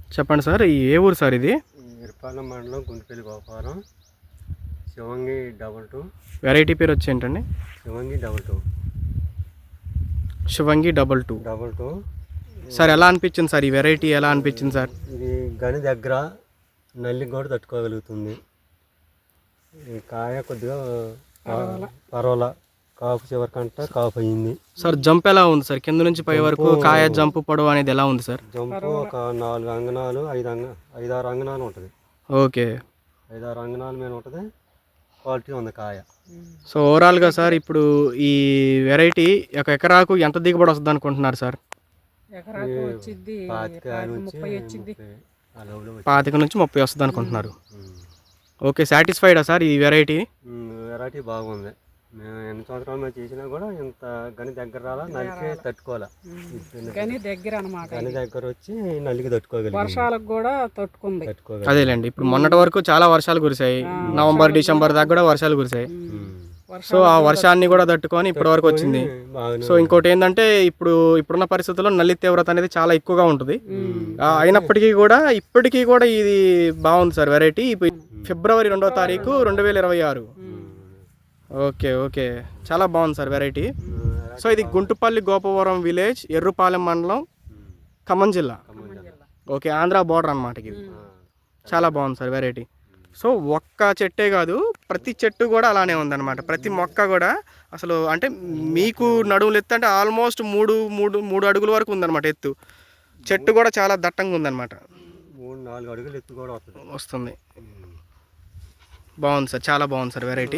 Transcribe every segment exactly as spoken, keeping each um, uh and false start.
చెప్పండి సార్, ఈ ఏ ఊరు సార్ ఇది? ఇరపాలెం మండలం Guntupalli Goparam. Shivangi double two. Variety పేరు వచ్చి ఏంటండి? Shivangi double two. Shivangi double two double two sir, ఎలా అనిపించింది సార్ ఈ వెరైటీ? ఎలా అనిపించింది సార్? ఇది గని దగ్గర నల్లికి కూడా తట్టుకోగలుగుతుంది. ఈ కాయ కొద్దిగా పర్వాలా, కాపు చివరికంట కాపు అయ్యింది సార్. జంప్ ఎలా ఉంది సార్? కింద నుంచి పై వరకు కాయ జంపు పొడవు అనేది ఎలా ఉంది సార్? జంపు ఒక నాలుగు అంగనాలు ఐదు అంగ ఐదారు అంగనాలు ఉంటుంది. ఓకే, ఐదారు అంగనాల మీద ఉంటుంది. క్వాలిటీ ఉంది కాయ. సో ఓవరాల్గా సార్, ఇప్పుడు ఈ వెరైటీ ఒక ఎకరాకు ఎంత దిగుబడి వస్తుంది అనుకుంటున్నారు సార్? పాతిక నుంచి ముప్పై వస్తుంది అనుకుంటున్నారు. ఓకే, సాటిస్ఫైడా సార్ ఈ వెరైటీ? వెరైటీ బాగుంది. మేము ఎన్ని సంవత్సరాలు మేము చేసినా కూడా ఇంత గని దగ్గర రాలా, నలికే తట్టుకోవాలా. గని దగ్గర అనమాట, గని దగ్గర వచ్చి నలికి తట్టుకోగలిగి వర్షాలకు కూడా తట్టుకుంది. తట్టుకోగలి అదేలేండి. ఇప్పుడు మొన్నటి వరకు చాలా వర్షాలు కురిసాయి, నవంబర్ డిసెంబర్ దాకా కూడా వర్షాలు కురిసాయి. సో ఆ వర్షాన్ని కూడా తట్టుకొని ఇప్పటి వరకు వచ్చింది. సో ఇంకోటి ఏంటంటే, ఇప్పుడు ఇప్పుడున్న పరిస్థితుల్లో నల్లి తీవ్రత అనేది చాలా ఎక్కువగా ఉంటుంది. అయినప్పటికీ కూడా ఇప్పటికీ కూడా ఇది బాగుంది సార్ వెరైటీ. ఫిబ్రవరి రెండో తారీఖు రెండు వేల ఇరవై ఆరు ఓకే ఓకే చాలా బాగుంది సార్ వెరైటీ. సో ఇది గుంటుపల్లి గోపవరం విలేజ్, ఎర్రుపాలెం మండలం, ఖమ్మం జిల్లా. ఓకే, ఆంధ్ర బోర్డర్ అనమాట ఇది. చాలా బాగుంది సార్ వెరైటీ. సో ఒక్క చెట్టే కాదు, ప్రతి చెట్టు కూడా అలానే ఉందన్నమాట. ప్రతి మొక్క కూడా అసలు అంటే మీకు నడుములు ఎత్తు అంటే ఆల్మోస్ట్ మూడు మూడు మూడు అడుగుల వరకు ఉందన్నమాట ఎత్తు. చెట్టు కూడా చాలా దట్టంగా ఉందన్నమాట. మూడు నాలుగు అడుగులు ఎత్తు కూడా వస్తుంది. బాగుంది సార్, చాలా బాగుంది సార్ వెరైటీ.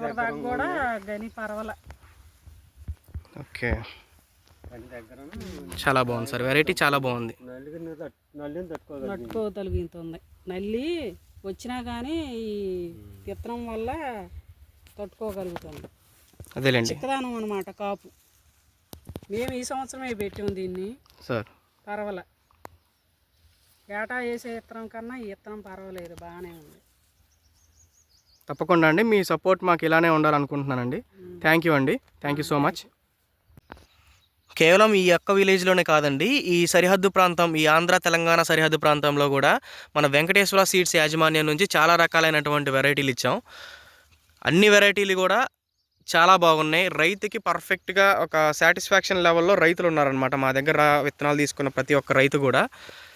ఓకే, చాలా బాగుంది సార్ వెరైటీ, చాలా బాగుంది. తట్టుకోగలుగుతుంది. నల్లి వచ్చినా కానీ ఈ విత్తనం వల్ల తట్టుకోగలుగుతుంది. అదేలేండి, చిక్కదానం అనమాట కాపు. మేము ఈ సంవత్సరమే పెట్టాము దీన్ని సార్. పర్వాల, ఏటా వేసే విత్తనం కన్నా ఈ విత్తనం పర్వాలేదు, బాగానే ఉంది. తప్పకుండా అండి, మీ సపోర్ట్ మాకు ఇలానే ఉండాలనుకుంటున్నానండి. థ్యాంక్ యూ అండి, థ్యాంక్ యూ సో మచ్. కేవలం ఈ ఒక్క విలేజ్లోనే కాదండి, ఈ సరిహద్దు ప్రాంతం, ఈ ఆంధ్ర తెలంగాణ సరిహద్దు ప్రాంతంలో కూడా మన వెంకటేశ్వర సీడ్స్ యాజమాన్యం నుంచి చాలా రకాలైనటువంటి వెరైటీలు ఇచ్చాం. అన్ని వెరైటీలు కూడా చాలా బాగున్నాయి. రైతుకి పర్ఫెక్ట్గా ఒక సాటిస్ఫాక్షన్ లెవెల్లో రైతులు ఉన్నారనమాట మా దగ్గర విత్తనాలు తీసుకున్న ప్రతి ఒక్క రైతు కూడా.